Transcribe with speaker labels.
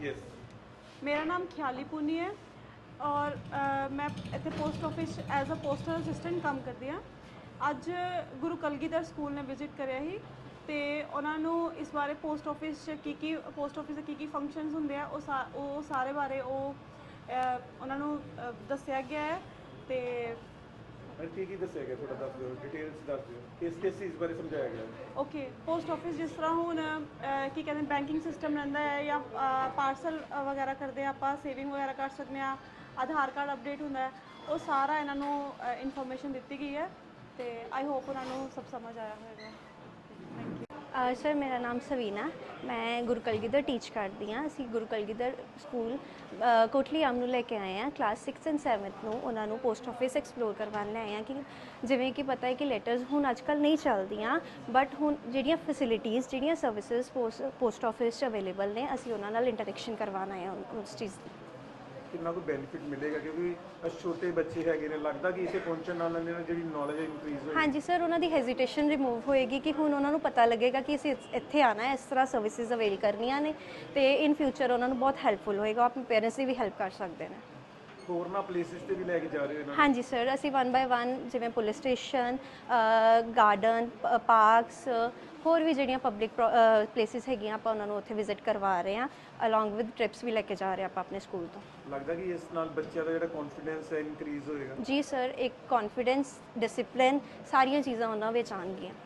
Speaker 1: Yes
Speaker 2: मेरा नाम ख्याली पूनी है और मैं इतने post office as a postal assistant काम करती हाँ। ਅੱਜ ਗੁਰੂ ਕਲਗੀਧਰ ਸਕੂਲ ਨੇ ਵਿਜ਼ਿਟ ਕਰਿਆ ਸੀ ਤੇ ਉਹਨਾਂ ਨੂੰ ਇਸ ਬਾਰੇ ਪੋਸਟ ਆਫਿਸ 'ਚ ਕੀ ਪੋਸਟ ਆਫਿਸ ਦੇ ਕੀ ਫੰਕਸ਼ਨਸ ਹੁੰਦੇ ਆ ਉਹ ਸਾਰੇ ਬਾਰੇ ਉਹਨਾਂ ਨੂੰ ਦੱਸਿਆ ਗਿਆ ਹੈ ਤੇ
Speaker 1: ਕੀ ਦੱਸਿਆ ਗਿਆ ਥੋੜਾ ਦੱਸ ਦਿਓ ਡਿਟੇਲਸ ਦੱਸ ਦਿਓ ਕਿਸ ਚੀਜ਼ ਬਾਰੇ ਸਮਝਾਇਆ ਗਿਆ
Speaker 2: ਓਕੇ ਪੋਸਟ ਆਫਿਸ ਜਿਸ ਤਰ੍ਹਾਂ ਹੁਣ ਕੀ ਕਹਿੰਦੇ ਬੈਂਕਿੰਗ ਸਿਸਟਮ ਰਹਿੰਦਾ ਹੈ ਜਾਂ ਪਾਰਸਲ ਵਗੈਰਾ ਕਰਦੇ ਆਪਾਂ ਸੇਵਿੰਗ ਵਗੈਰਾ ਕਰ ਸਕਦੇ ਹਾਂ ਆਧਾਰ ਕਾਰਡ ਅਪਡੇਟ ਹੁੰਦਾ ਹੈ ਉਹ ਸਾਰਾ ਇਹਨਾਂ ਨੂੰ ਇਨਫੋਰਮੇਸ਼ਨ ਦਿੱਤੀ ਗਈ ਹੈ ਤੇ ਆਈ ਹੋਪ ਉਹਨਾਂ ਨੂੰ ਸਭ ਸਮਝ ਆਇਆ ਹੋਵੇਗਾ ਥੈਂਕ ਯੂ
Speaker 3: ਸਰ ਮੇਰਾ ਨਾਮ ਸਵੀਨਾ ਮੈਂ ਗੁਰੂ ਕਲਗੀਧਰ ਟੀਚ ਕਰਦੀ ਹਾਂ ਅਸੀਂ ਗੁਰੂ ਕਲਗੀਧਰ ਸਕੂਲ ਕੋਟਲੀ ਆਮ ਨੂੰ ਲੈ ਕੇ ਆਏ ਹਾਂ ਕਲਾਸ 6 ਐਂਡ 7 ਨੂੰ ਉਹਨਾਂ ਨੂੰ ਪੋਸਟ ਆਫਿਸ ਐਕਸਪਲੋਰ ਕਰਵਾਉਣ ਲੈ ਆਏ ਹਾਂ ਕਿ ਜਿਵੇਂ ਕਿ ਪਤਾ ਹੈ ਕਿ ਲੈਟਰਸ ਹੁਣ ਅੱਜ ਕੱਲ੍ਹ ਨਹੀਂ ਚੱਲਦੀਆਂ ਬਟ ਹੁਣ ਜਿਹੜੀਆਂ ਫੈਸਿਲਿਟੀਜ਼ ਜਿਹੜੀਆਂ ਸਰਵਿਸਿਜ਼ ਪੋਸਟ ਆਫਿਸ 'ਚ ਅਵੇਲੇਬਲ ਨੇ ਅਸੀਂ ਉਹਨਾਂ ਨਾਲ ਇੰਟਰੈਕਸ਼ਨ ਕਰਵਾਉਣ ਆਏ ਹਾਂ ਉਸ ਚੀਜ਼ ਦੀ
Speaker 1: ਕਿੰਨਾ ਕੋਈ ਬੈਨੀਫਿਟ ਮਿਲੇਗਾ ਕਿਉਂਕਿ ਛੋਟੇ ਬੱਚੇ ਹੈਗੇ ਨੇ ਲੱਗਦਾ ਕਿ ਇੱਥੇ ਪਹੁੰਚਣ ਨਾਲ ਇਹਨਾਂ ਦੀ ਜਿਹੜੀ ਨੌਲੇਜ ਇਨਕਰੀਜ਼ ਹੋਏਗੀ
Speaker 3: ਹਾਂਜੀ ਸਰ ਉਹਨਾਂ ਦੀ ਹੈਜ਼ਿਟੇਸ਼ਨ ਰਿਮੂਵ ਹੋਏਗੀ ਕਿ ਹੁਣ ਉਹਨਾਂ ਨੂੰ ਪਤਾ ਲੱਗੇਗਾ ਕਿ ਅਸੀਂ ਇੱਥੇ ਆਉਣਾ ਹੈ ਇਸ ਤਰ੍ਹਾਂ ਸਰਵਿਸਿਜ਼ ਅਵੇਲ ਕਰਨੀਆਂ ਨੇ ਤੇ ਇਨ ਫਿਊਚਰ ਉਹਨਾਂ ਨੂੰ ਬਹੁਤ ਹੈਲਪਫੁਲ ਹੋਏਗਾ ਆਪਣੇ ਪੇਰੈਂਟਸ ਦੀ ਵੀ ਹੈਲਪ ਕਰ ਸਕਦੇ ਨੇ
Speaker 1: ਹੋਰਨਾਂ ਪਲੇਸਿਸ ਤੇ ਵੀ ਲੈ ਕੇ ਜਾ ਰਹੇ ਹੋ ਇਹਨਾਂ ਨੂੰ
Speaker 3: ਹਾਂਜੀ ਸਰ ਅਸੀਂ 1 ਬਾਏ 1 ਜਿਵੇਂ ਪੁਲਿਸ ਸਟੇਸ਼ਨ ਗਾਰਡਨ ਪਾਰਕਸ ਹੋਰ ਵੀ ਜਿਹੜੀਆਂ ਪਬਲਿਕ ਪਲੇਸਿਸ ਹੈਗੀਆਂ ਆਪਾਂ ਉਹਨਾਂ ਨੂੰ ਉੱਥੇ ਵਿਜ਼ਿਟ ਕਰਵਾ ਰਹੇ ਹਾਂ ਅਲੋਂਗ ਵਿਦ ਟ੍ਰਿਪਸ ਵੀ ਲੈ ਕੇ ਜਾ ਰਹੇ ਆਪਾਂ ਆਪਣੇ ਸਕੂਲ ਤੋਂ
Speaker 1: ਲੱਗਦਾ ਕਿ ਇਸ ਨਾਲ ਬੱਚਿਆਂ ਦਾ ਜਿਹੜਾ ਕੌਨਫੀਡੈਂਸ ਹੈ ਇਨਕਰੀਜ਼ ਹੋਏਗਾ
Speaker 3: ਜੀ ਸਰ ਇੱਕ ਕੌਨਫੀਡੈਂਸ ਡਿਸਿਪਲਿਨ ਸਾਰੀਆਂ ਚੀਜ਼ਾਂ ਉਹਨਾਂ ਵਿੱਚ ਆਉਣਗੀਆਂ